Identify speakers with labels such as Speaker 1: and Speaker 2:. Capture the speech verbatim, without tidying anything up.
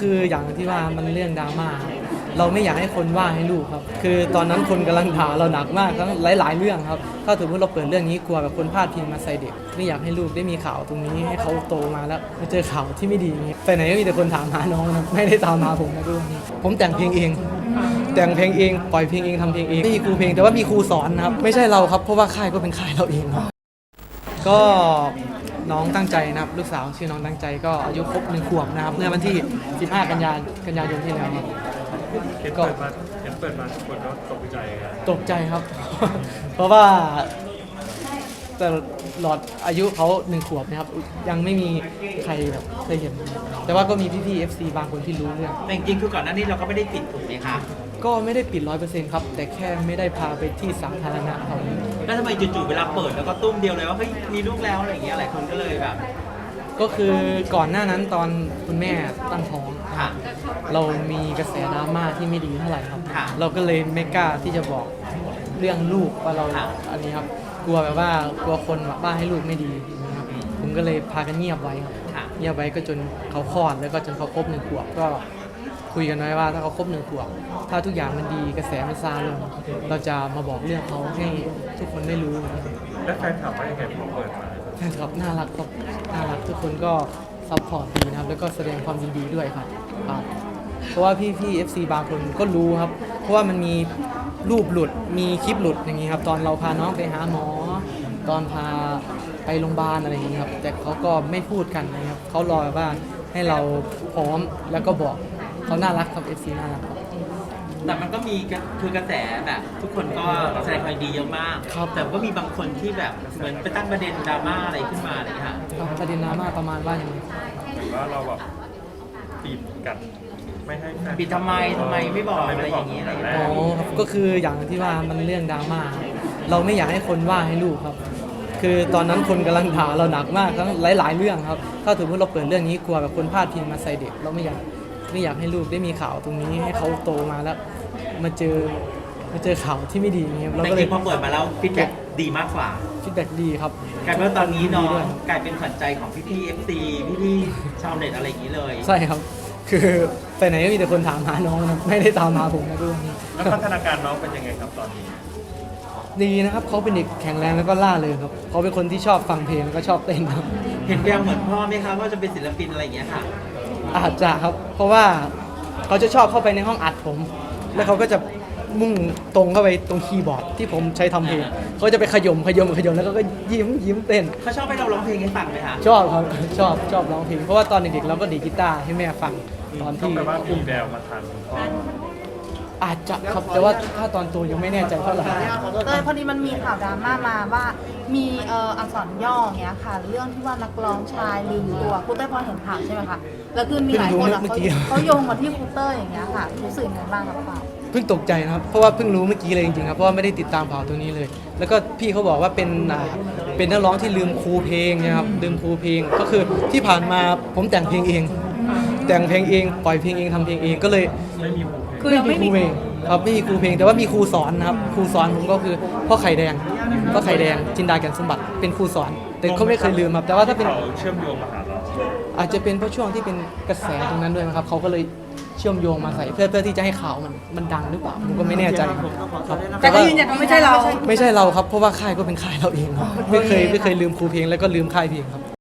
Speaker 1: คืออย่างที่ว่ามันเรื่องดราม่าเราไม่อยากให้คนว่าให้ลูกครับคือตอนนั้นคนกำลังด่าเราหนักมากทั้งหลายๆเรื่องครับถ้าถือว่าเราเปิดเรื่องนี้กลัวแบบคนพลาดพิงมาใส่เด็กไม่อยากให้ลูกได้มีข่าวตรงนี้ให้เขาโตมาแล้วมาเจอข่าวที่ไม่ดีนี้ไปไหนก็มีแต่คนถามหาน้องนะไม่ได้ตามหาผมนะทุกคนผมแต่งเพลงเองแต่งเพลงเองปล่อยเพลงเองทำเพลงเองไม่มีครูเพลงแต่ว่ามีครูสอนนะครับไม่ใช่เราครับเพราะว่าค่ายก็เป็นค่ายเราเองครับก็น้องตั้งใจนะครับลูกสาวชื่อน้องตั้งใจก็อายุครบหนึ่งขวบนะครับเมื่อวันที่สิบห้ากันยายนกันยายนที่แล้วครับ
Speaker 2: เห็นเปิดมาเห็นเปิดมาทุกคนก็ตกใจครับ
Speaker 1: ตกใจครับ เพราะว่าแต่หลอดอายุเขาหนึ่งขวบนะครับยังไม่มีใครแบบเคยเห็น แต่ว่าก็มีพี่ๆ เอฟ ซี บางคนที่รู้เรื่อง
Speaker 3: แต่จริงๆคือก่อนหน้านี้เราก็ไม่ได้ปิดถูกไหมคะ
Speaker 1: ก็ไม่ได้ปิดร้อยเปอร์เซ็นต์ครับแต่แค่ไม่ได้พาไปที่สาธารณะครับ
Speaker 3: แล้วทำไมจู่ๆเวลาเปิดแล้วก็ตุ้มเดียวเลยว่าเฮ้ยมีลูกแล้วอะไรอย่างเงี้ยหลายคนก็เลยแบบ
Speaker 1: ก็คือก่อนหน้านั้นตอนคุณแม่ตั้งท้อง
Speaker 3: ค่ะ
Speaker 1: เรามีกระแสดราม่าที่ไม่ดีเท่าไหร่ครับ
Speaker 3: ค่ะ
Speaker 1: เราก็เลยไม่กล้าที่จะบอกเรื่องลูกว่าเรา
Speaker 3: ค่ะ
Speaker 1: อันนี้ครับ กลัวแบบว่ากลัวคนว่าให้ลูกไม่ดีนะครับผมก็เลยพากันเงียบไว้ครับ
Speaker 3: ค่ะ
Speaker 1: เงียบไว้ก็จนเขาคลอดแล้วก็จนเขาครบหนึ่งขวบก็คุยกันไว้ว่าถ้าเขาครบหนึ่งขวบถ้าทุกอย่างมันดีกระแสมันซาลงเราจะมาบอกเรื่องเขาให้ทุกคนได้รู้นะครับ
Speaker 2: แล้วแฟนถามว่ายังไงพอเปิดมา
Speaker 1: แฟนคลับน่ารักครับน่ารักทุกคนก็ซัพพอร์ตดีนะครับแล้วก็แสดงความยินดีด้วยครับครับเพราะว่าพี่พี่ เอฟ ซี บางคนก็รู้ครับ เพราะว่ามันมีรูปหลุดมีคลิปหลุดอย่างนี้ครับตอนเราพาน้องไปหาหมอ ตอนพาไปโรงพยาบาลอะไรอย่างนี้ครับแต่เขาก็ไม่พูดกันนะครับเขารอว่าให้เราพร้อมแล้วก็บอกเขาน่ารักครับ เอฟ ซี น่ารักครับ
Speaker 3: แต่มันก็มีกระคือกระแสแบบทุกคนก็แสดงความยินดีเยอะมาก
Speaker 1: ครับ
Speaker 3: แต่ก็มีบางคนที่แบบเหมือนไปตั้งประเด็นดราม่าอะไรขึ้นมาอะไรอย่างเลยค่ะ
Speaker 1: ประเด็นดราม่าประมาณว่าอย่างไร
Speaker 2: หรือว่าเราแบบปิดกันไม่ให้แฟน
Speaker 3: ปิดทำไมทำไมไม่บอกอะไรอย่างนี้อะไรอย่างเงี้ย
Speaker 1: อ๋อครับก็คืออย่างที่ว่ามันเรื่องดราม่าเราไม่อยากให้คนว่าให้ลูกครับ คือตอนนั้นคนกำลังด่าเราหนักมากทั้งหลายๆเรื่องครับถ้าถือว่าเราเปิดเรื่องนี้กลัวแบบคนพลาดพิงมาใส่เด็กเราไม่อยากไม่อยากให้ลูกได้มีข่าวตรงนี้ให้เขาโตมาแล้วมาเจอมาเจอข่าวที่ไม่ดีอย่างเงี้ยเรา
Speaker 3: แต่
Speaker 1: ก็
Speaker 3: จ
Speaker 1: เล
Speaker 3: ริ
Speaker 1: ย
Speaker 3: งๆพอเปิดมาแล้วฟีดแบ็กดีมากกว่า
Speaker 1: ฟีดแบ็กดีครับ
Speaker 3: กลายเป็นว่าตอนนี้น้อง
Speaker 1: ดีด้วย
Speaker 3: กลายเป็นขวัญใจของพี่ๆ เอฟ ซี พี่ๆชาวเน็ตอะไรอย่างนี้เลย
Speaker 1: ใช่ครับ คือไปไหนก็มีแต่คนถามหาน้องนะไม่ได้ตามหาผมนะทุกคน
Speaker 2: แล้วพัฒนาการน้องเป็นยังไงครับตอนนี้
Speaker 1: ดีนะครับเขาเป็นเด็กแข็งแรงแล้วก็ล่าเริงครับเขาเป็นคนที่ชอบฟังเพลงแล้วก็ชอบเต้นครับ
Speaker 3: เห็นแววเหมือนพ่อไหมคะว่าจะเป็นศิลปินอะไรอย่างเงี้ยค่ะ
Speaker 1: อาจจะครับ เพราะว่าเขาจะชอบเข้าไปในห้องอัดผม แล้วเขาก็จะมุ่งตรงเข้าไปตรงคีย์บอร์ดที่ผมใช้ทำเพลงเขาจะไปขยมขยมขยมแล้วก็ยิ้มยิ้มเต้น
Speaker 3: เขาชอบให้เราร้องเพลงให้ฟังไหมคะ
Speaker 1: ชอบครับชอบชอบร้องเพลงเพราะว่าตอนเด็กๆเราก็ดีดกีตาร์ให้แม่ฟังตอน
Speaker 2: ต้อง
Speaker 1: ที่
Speaker 2: แปลว่ามีแววมาทางคุณพ่อ
Speaker 1: อาจจะครับแต่ว่าถ้าตอนโตยังไม่แน่ใจเท่าไหร่
Speaker 4: เออพอดีมันมีข่าวดราม่ามาว่ามีเอ่ออักษรย่ออย่างเงี้ยค่ะ เรื่องที่ว่านักร้องชายลืมตัวครูเต้ยพอเห็นข่าวใช่ไหมคะแล้วคือมีหลายคนอะเขาเขาโยงมาที่ครูเต้ยอย่างเงี้ยค่ะรู้สึกยังไงบ้างกับข่าว
Speaker 1: เพิ่งตกใจนะครับเพราะว่าเพิ่งรู้เมื่อกี้เลยจริงๆครับเพราะว่าไม่ได้ติดตามข่าวตัวนี้เลย แล้วก็พี่เขาบอกว่าเป็นอ่าเป็นนักร้องที่ลืมครูเพลงนะครับลืมครูเพลงก็คือที่ผ่านมาผมแต่งเพลงเอง แต่งเพลงเองปล่อยเพลงเองทำเพลงเองก็เลย
Speaker 2: ไม่มีหูเพลง
Speaker 4: คือเราไม่มี
Speaker 1: ครูเพลงครับไม่มีครูเพลงแต่ว่ามีครูสอนนะครับครูสอนผมก็คือพ่อไข่แดงพ่อไข่แดงจินดาแก่นสมบัติเป็นครูสอน แต่เขาไม่เคยลืมครับแต่ว่าถ้าเป็น
Speaker 2: เขาเชื่อมโยงมาหาเรา
Speaker 1: อาจจะเป็นเพราะช่วงที่เป็นกระแสตรงนั้นด้วยนะครับเขาก็เลยเชื่อมโยงมาใส่เพื่อเพื่อที่จะให้ข่าวมันมันดังหรือเปล่าผมก็ไม่แน่ใจครับ
Speaker 4: แต่ก็ยืนยันว่าไม่ใช่เรา
Speaker 1: ไม่ใช่เราครับเพราะว่าค่ายก็เป็นค่ายเราเองครับไม่เคยไม่เคยลืมครูเพลงแล้วก็ลืมค่ายเพลงครับ